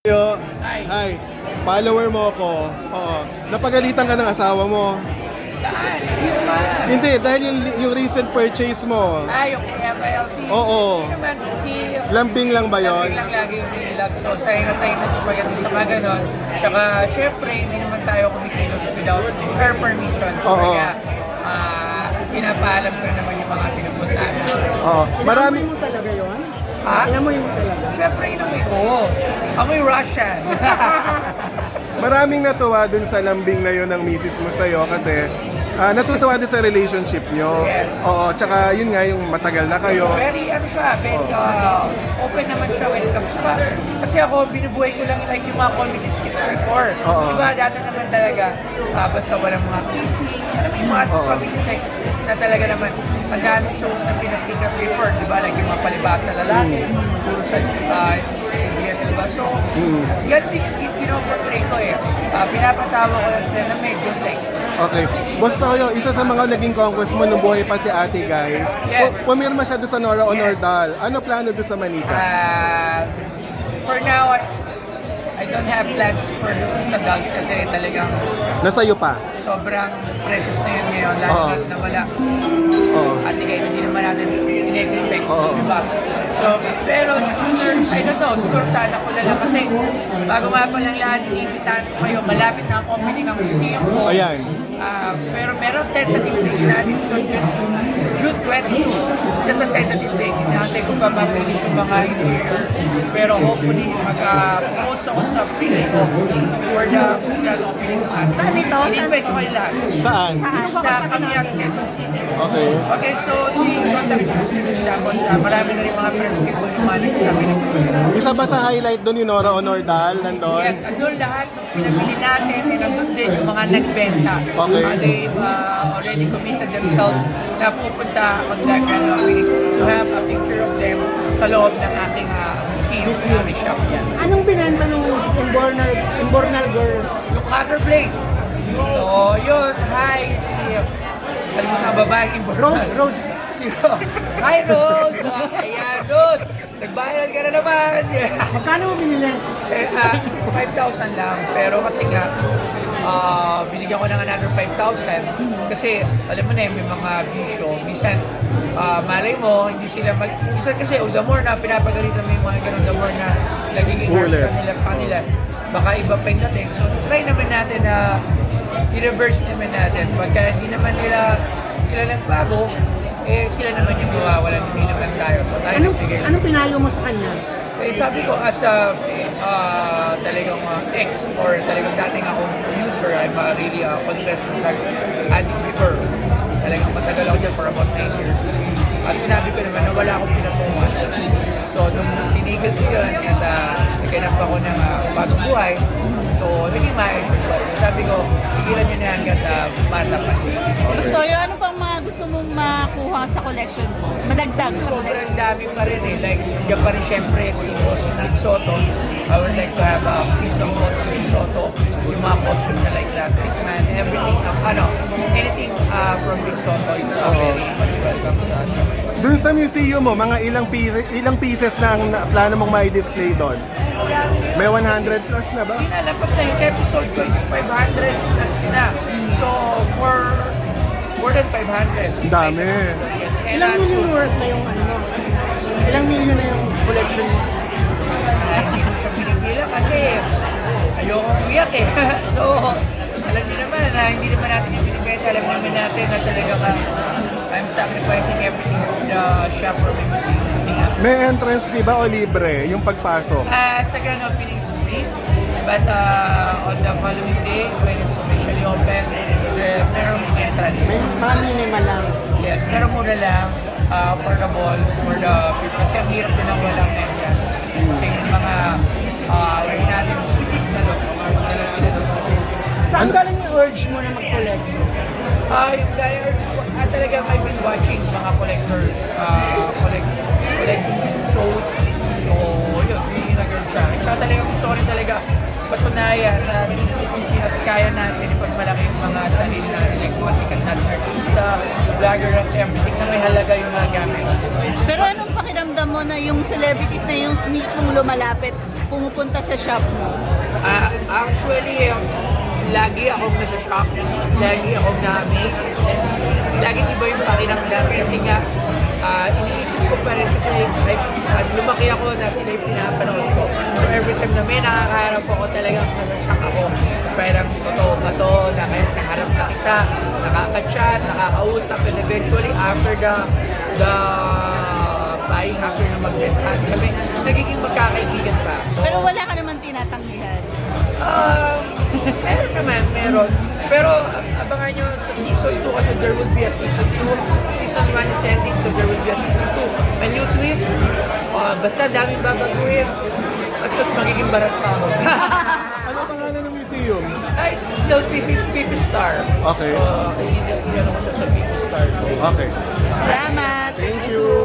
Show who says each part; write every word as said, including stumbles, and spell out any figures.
Speaker 1: Yo,
Speaker 2: Hi.
Speaker 1: hi. Follower mo ako. Oo. Napagalitan ka ng asawa mo.
Speaker 2: Saan? Hindi naman.
Speaker 1: Hindi, dahil yung, yung recent purchase mo.
Speaker 2: Ah, yung K F L T.
Speaker 1: Oo.
Speaker 2: Hindi naman si...
Speaker 1: Lambing lang ba yon?
Speaker 2: Lambing lang lagi yung nililab. So, sayang na sayang na siya pagdating sa mga ganon. Tsaka, syempre, hindi naman tayo kumikilos without her permission. So,
Speaker 1: Oo.
Speaker 2: kaya, ah, pinapaalam ko na naman yung mga pinupuntahan.
Speaker 1: Oo. Marami.
Speaker 3: Inamoy mo talaga yun?
Speaker 2: Ha?
Speaker 3: Inamoy mo talaga?
Speaker 2: Syempre, inamoy ko. Amoy Russian.
Speaker 1: Maraming natuwa dun sa lambing na yun ng misis mo sa'yo kasi ah, natutuwa din sa relationship nyo.
Speaker 2: Yes.
Speaker 1: Oo, tsaka yun nga yung matagal na kayo.
Speaker 2: Very, ano siya, very uh, open naman siya when it comes to kasi ako, binubuhay ko lang like yung mga comedy skits before.
Speaker 1: Oo.
Speaker 2: Diba, dati naman talaga, uh, basta walang mga kissing, alam mo yung mga
Speaker 1: Oo.
Speaker 2: comedy sexy skits na talaga naman, ang daming shows na pinasikat before, diba, like yung mga palibasa lalaki, puro sa, uh, yes, diba? So, ganun din yung pinoportray ko eh. Uh, pinapatawa ko lang sila na medyo sexy.
Speaker 1: Okay. Boss Toyo, isa sa mga naging conquest mo nung buhay pa si Ate Guy.
Speaker 2: Yes.
Speaker 1: pu- Pumirma siya doon sa Nora Honor
Speaker 2: Yes.
Speaker 1: Dal. Ano plano doon sa Manika?
Speaker 2: Uh, for now, I, I don't have plans for sa dolls kasi talagang
Speaker 1: Nasa'yo pa?
Speaker 2: sobrang precious na yun ngayon. Last
Speaker 1: Oo.
Speaker 2: month na wala.
Speaker 1: Oo.
Speaker 2: At hindi, hindi naman natin in-expect.
Speaker 1: Oo.
Speaker 2: Diba? So, pero sooner, I don't know, siguro sana ko lang kasi bago nga pa lang lahat, iniimbitahan ko kayo, malapit na ang opening ng museum ko.
Speaker 1: Ayan.
Speaker 2: Ah, pero meron tentative date natin so June, June twenty-two. Isa sa tentative date, hinahantay ko pa ma-finish yung mga interior. Pero hopefully, mag-post ako sa page ko for the grand opening ng art.
Speaker 3: Saan ito? Saan
Speaker 2: In-invite
Speaker 3: ito?
Speaker 2: ko kayo lahat.
Speaker 1: Saan?
Speaker 2: Sa Camias, Quezon City.
Speaker 1: Okay.
Speaker 2: Okay, so si contact ko si tapos uh, marami na rin mga press people yung mga nagsabi ng
Speaker 1: Isa ba sa highlight doon yung Nora Honor Dal? Nandun?
Speaker 2: yes, andun lahat ng pinabili natin ay nandun din yung mga nagbenta.
Speaker 1: Okay.
Speaker 2: Uh, they uh, already committed themselves na pupunta on that kind of meeting to have a picture of them sa loob ng ating uh, museum na shop yan.
Speaker 3: Anong binenta nung Imbornal, Imbornal girl?
Speaker 2: Yung cutter blade. So, yun. Hi, si... Alam mo na, babaeng important.
Speaker 3: Rose, Rose.
Speaker 2: Si Rose. Hi, Rose! Uh, ayan, Rose! Nag-viral ka na naman!
Speaker 3: Magkano mo binili?
Speaker 2: eh, ah, five thousand lang. Pero kasi nga, ah, binigyan ko ng another five thousand. Kasi, alam mo na yun, may mga bisyo. Minsan, ah, malay mo, hindi sila mag... Minsan kasi, oh, the more na pinapagalitan mo yung mga ganun, the more na nagiging harsh
Speaker 1: Ulit.
Speaker 2: ka nila sa kanila. Baka iba pa yung dating. So, try naman natin na i-reverse naman natin. Pagka hindi naman nila sila nagbago, eh sila naman yung mawawalan, hindi naman tayo. So, tayo
Speaker 3: Anong,
Speaker 2: nagbigay lang.
Speaker 3: anong pinayo mo sa kanya?
Speaker 2: Eh, sabi ko, as a uh, talagang uh, ex or talagang dating akong user, I'm uh, really a confessed drug addict before. Talagang matagal ako dyan for about nine years. Uh, sinabi ko naman na wala akong pinatungan. So, nung tinigil ko yun, at uh, nagkanap ako ng uh, bagong buhay, so, naging maayos yung buhay. Sabi ko, tigilan nyo na hanggat uh, bata pa siya.
Speaker 4: Gusto yun, ano pang mga gusto mong makuha sa collection mo? Madagdag sa collection.
Speaker 2: Sobrang dami pa rin eh. Like, diyan pa rin syempre si Boss Rick Soto. I would like to have a piece of Boss Rick Soto. Yung mga costume na like Plastic Man, everything, um, ano, anything uh, from Rick Soto is uh, very much welcome sa shop.
Speaker 1: Doon sa museum mo, mga ilang pieces, ilang pieces na ang na- plano mong may display doon? May one hundred plus na ba?
Speaker 2: Pinalampas na yung episode ko is five hundred plus na. So, for more than five hundred.
Speaker 1: Dami.
Speaker 2: Yes. And
Speaker 3: Ilang
Speaker 2: uh, so,
Speaker 3: million worth na yung ano mo? Ilang million na yung collection mo?
Speaker 2: hindi ko siya pinipila kasi ayokong umiyak eh. So, alam niyo naman na hindi naman natin yung binibenta. Alam naman natin na talaga ka, I'm sacrificing everything for the shop or my museum. Kasi nga,
Speaker 1: May entrance fee ba o libre yung pagpasok?
Speaker 2: uh, sa grand opening is free. But uh, on the following day, when it's officially open, the merong entrance.
Speaker 3: May mga minimal lang.
Speaker 2: Yes, pero mura lang, uh, affordable for the people. Kasi ang hirap din ang walang entrance. Kasi yung mga, uh, hindi natin support na doon, mga lang sila doon.
Speaker 3: Saan galing yung urge mo na mag-collect?
Speaker 2: Ah, yung guy urge ko, ah, talagang I've been watching mga collector, uh, collect, collecting shows. So, yun, yung nag-urge siya. At saka talagang gusto ko rin talaga patunayan na dito sa Pilipinas kaya natin ipagmalaki yung mga sarili natin, like mga sikat natin artista, vlogger at everything na may halaga yung mga gamit.
Speaker 4: Pero anong pakiramdam mo na yung celebrities na yung mismong lumalapit, pumupunta sa shop mo?
Speaker 2: Ah, actually, um, lagi akong nasa-shock, lagi akong na-amaze, and laging iba yung pakiramdam kasi nga, ah, iniisip ko pa rin kasi like, at lumaki ako na sila yung pinapanood ko. So every time na may nakakaharap ako, talagang nasa-shock ako. Parang totoo ba to, na kahit kaharap na kita, nakaka-chat, nakakausap, and eventually after the, the flying, after na magbentahan kami, nagiging magkakaibigan pa. So,
Speaker 4: Pero wala ka naman tinatanggihan.
Speaker 2: Ah, meron naman, meron. Pero ab- abangan nyo sa season two kasi there will be a season two. Season one is ending, so there will be a season two. A new twist, ah, basta daming babaguhin. At tapos magiging barat pa ako.
Speaker 1: Ano pangalan ng museum?
Speaker 2: Ah, it's still P P, P P Star.
Speaker 1: Okay.
Speaker 2: So, hindi, hindi ano ko siya sa P P Star. So,
Speaker 1: Okay.
Speaker 4: Salamat!
Speaker 1: Thank you.